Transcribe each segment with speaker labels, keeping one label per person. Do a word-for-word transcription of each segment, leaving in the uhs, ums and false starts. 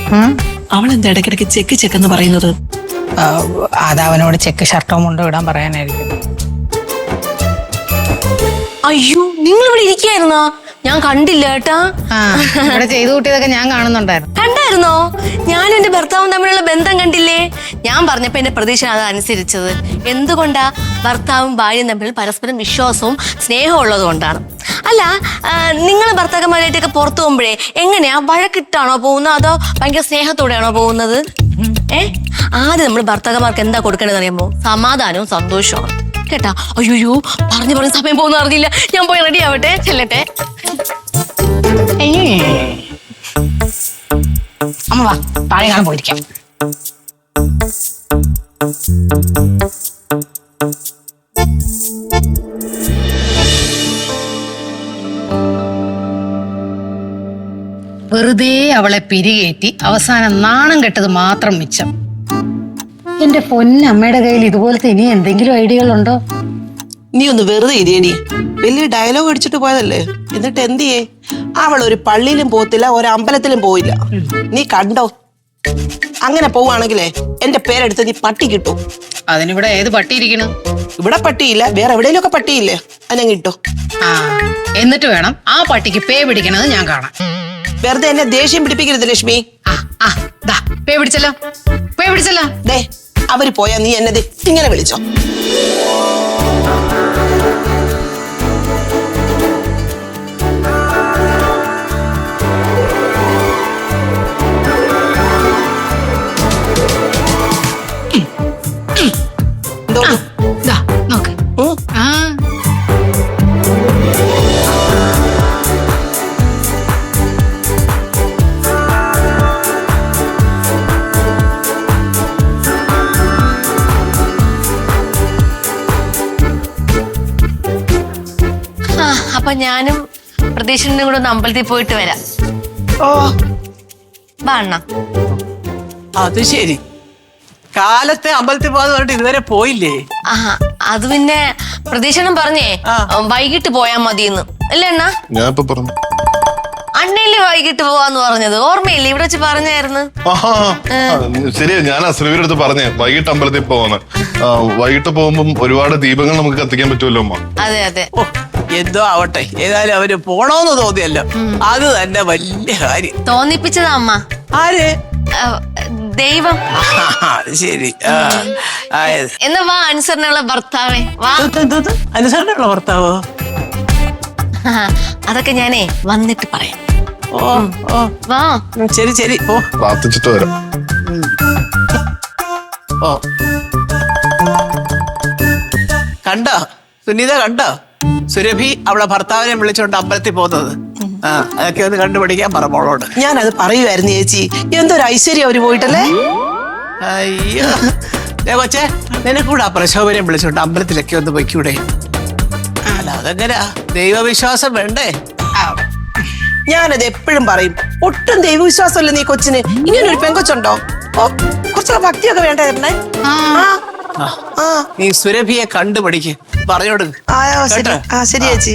Speaker 1: അവൾ എന്താ ഇടയ്ക്കിടയ്ക്ക് ചെക്ക് ചെക്ക് എന്ന് പറയുന്നത്?
Speaker 2: അത് അവനോട് ചെക്ക് ഷർട്ടോ മുണ്ടോ ഇടാൻ പറയാനായിരിക്കും.
Speaker 3: അയ്യോ, നിങ്ങൾ ഇവിടെ ഇരിക്കായിരുന്നോ? ഞാൻ കണ്ടില്ല കേട്ടാ.
Speaker 2: ഇവിടെ ചെയ്തു കൂട്ടിയതൊക്കെ ഞാൻ കാണുന്നുണ്ടായിരുന്നു.
Speaker 3: കണ്ടായിരുന്നോ? ഞാനും എന്റെ ഭർത്താവും തമ്മിലുള്ള ബന്ധം കണ്ടില്ലേ? ഞാൻ പറഞ്ഞപ്പോ എന്റെ പ്രതീക്ഷ അത് അനുസരിച്ചത്. എന്തുകൊണ്ടാ? ഭർത്താവും ഭാര്യയും തമ്മിൽ പരസ്പരം വിശ്വാസവും സ്നേഹവും ഉള്ളത് കൊണ്ടാണ്. അല്ല, നിങ്ങൾ ഭർത്താക്കന്മാരായിട്ടൊക്കെ പുറത്തു പോകുമ്പോഴേ എങ്ങനെയാ, വഴക്കിട്ടാണോ പോകുന്നത് അതോ ഭയങ്കര സ്നേഹത്തോടെയാണോ പോകുന്നത്? ഏ ആദ്യം നമ്മൾ ഭർത്താക്കന്മാർക്ക് എന്താ കൊടുക്കേണ്ടതെന്ന് അറിയുമ്പോ സമാധാനവും സന്തോഷവും കേട്ടാ. അയ്യോ, പറഞ്ഞു പറഞ്ഞ സമയം പോകുന്ന അറിഞ്ഞില്ല. ഞാൻ പോയി റെഡി ആവട്ടെ, ചെല്ലട്ടെ.
Speaker 2: അമ്മ വാ, താഴെ കാണാൻ പോയിരിക്കാം. വെറുതെ അവളെ പിരികേറ്റി അവസാനം നാണം കെട്ടത് മാത്രം മിച്ചം. എന്റെ പൊന്നമ്മയുടെ കയ്യിൽ ഇതുപോലത്തെ ഇനി എന്തെങ്കിലും ഐഡിയകളുണ്ടോ?
Speaker 1: നീ ഒന്ന് വെറുതെ ഇരിയടി. വലിയ ഡയലോഗ് അടിച്ചിട്ട് പോയതല്ലേ, എന്നിട്ട് എന്ത് ചെയ്യേ? അവൾ ഒരു പള്ളിയിലും പോത്തില്ല, ഒരു അമ്പലത്തിലും പോയില്ല. നീ കണ്ടോ? അങ്ങനെ പോവാണെങ്കിലേ എന്റെ പേരെടുത്ത് നീ പട്ടി കിട്ടും.
Speaker 2: അതിനിവിടെ ഏത് പട്ടി ഇരിക്കണു?
Speaker 1: ഇവിടെ പട്ടിയില്ല, വേറെ എവിടെയെങ്കിലും ഒക്കെ പട്ടിയില്ലേ, അതിനെ കിട്ടോ.
Speaker 2: ആ എന്നിട്ട് വേണം ആ പട്ടിക്ക് പേ പിടിക്കണത് ഞാൻ കാണാം.
Speaker 1: വെറുതെ എന്നെ ദേഷ്യം പിടിപ്പിക്കരുത് ലക്ഷ്മി.
Speaker 2: ആ ദാ പേ പിടിച്ചല്ലോ, പേ പിടിച്ചല്ലോ.
Speaker 1: ദേ അവര് പോയാ നീ എന്നെ ഇങ്ങനെ വിളിച്ചോ?
Speaker 2: നോക്ക്. ആ
Speaker 3: അപ്പൊ ഞാനും പ്രതീക്ഷനും കൂടെ ഒന്ന് അമ്പലത്തിൽ പോയിട്ട് വരാം.
Speaker 1: ഓ
Speaker 3: വാ അണ്ണ.
Speaker 4: അത് ശരി, കാലത്തെ അമ്പലത്തിൽ പോകാന്ന് പറഞ്ഞിട്ട് ഇതുവരെ പോയില്ലേ?
Speaker 3: ആ അത് പിന്നെ പ്രതീക്ഷനും പറഞ്ഞേ വൈകിട്ട് പോയാ മതിയെന്ന് അല്ലേ അണ്ണ?
Speaker 5: ഞാൻ ഇപ്പൊ പറഞ്ഞു.
Speaker 3: അണ്ണയില്ലേ വൈകിട്ട് പോവാന്ന് പറഞ്ഞത്, ഓർമ്മയില്ലേ? ഇവിടെ വെച്ച് പറഞ്ഞായിരുന്നു.
Speaker 5: ശരിയാ, ഞാൻ ശ്രീവിന്റെ അടുത്ത് പറഞ്ഞേ വൈകിട്ട് അമ്പലത്തിൽ പോവാന്ന്. വൈകിട്ട് പോകുമ്പം ഒരുപാട് ദീപങ്ങൾ നമുക്ക് കത്തിക്കാൻ പറ്റുമല്ലോ അമ്മ.
Speaker 3: അതെ അതെ.
Speaker 4: ഓ എന്തോ ആവട്ടെ, ഏതായാലും അവര് പോണോന്ന് തോന്നിയല്ലോ, അത് തന്നെ വലിയ കാര്യം.
Speaker 3: തോന്നിപ്പിച്ചതാ അമ്മ.
Speaker 4: ആര്?
Speaker 3: ദൈവം.
Speaker 4: അത് ശരി.
Speaker 3: എന്നാ വാ, അനുസരണയുള്ള ഭർത്താവേ വാ.
Speaker 4: അനുസരണയുള്ള ഭർത്താവോ?
Speaker 3: അതൊക്കെ ഞാനേ വന്നിട്ട് പറയാം.
Speaker 4: ഓ ഓ
Speaker 3: വാ.
Speaker 4: ശരി ശരി, ഓ
Speaker 5: പ്രാർത്ഥിച്ചിട്ട് വരാം.
Speaker 4: ഓ കണ്ടോ സുനീത, കണ്ടോ സുരഭി അവളെ ഭർത്താവിനെ വിളിച്ചോണ്ട് അമ്പലത്തിൽ പോകുന്നത്? ആ അതൊക്കെ ഒന്ന് കണ്ടുപിടിക്കാൻ പറ മോളോട്.
Speaker 1: ഞാനത് പറയുമായിരുന്നു ചേച്ചി. എന്തൊരു ഐശ്വര്യം അവര് പോയിട്ടല്ലേ.
Speaker 4: അയ്യോ കൊച്ചേ, നിനക്കൂടെ പ്രശോഭനെ വിളിച്ചോണ്ട് അമ്പലത്തിലൊക്കെ ഒന്ന് പൊയ്ക്കൂടെ? അല്ല അതെങ്ങനാ, ദൈവവിശ്വാസം വേണ്ടേ?
Speaker 1: ഞാനത് എപ്പോഴും പറയും, ഒട്ടും ദൈവവിശ്വാസമല്ല നീ കൊച്ചിന്. ഇങ്ങനെ ഒരു പെങ്കൊച്ചുണ്ടോ? ഓ കുറച്ചൊക്കെ ഭക്തിയൊക്കെ വേണ്ടേ തരണേ.
Speaker 4: നീ സുരഭിയെ കണ്ടുപിടിക്ക്, പറഞ്ഞോട്.
Speaker 1: ആ ശരി ചേച്ചി.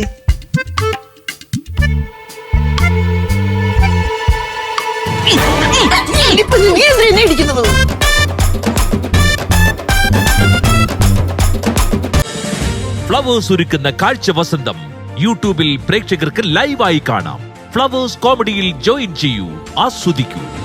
Speaker 6: ഫ്ലവേഴ്സ് ഒരുക്കുന്ന കാഴ്ച വസന്തം യൂട്യൂബിൽ പ്രേക്ഷകർക്ക് ലൈവായി കാണാം. ഫ്ലവേഴ്സ് കോമഡിയിൽ ജോയിൻ ചെയ്യൂ, ആസ്വദിക്കൂ.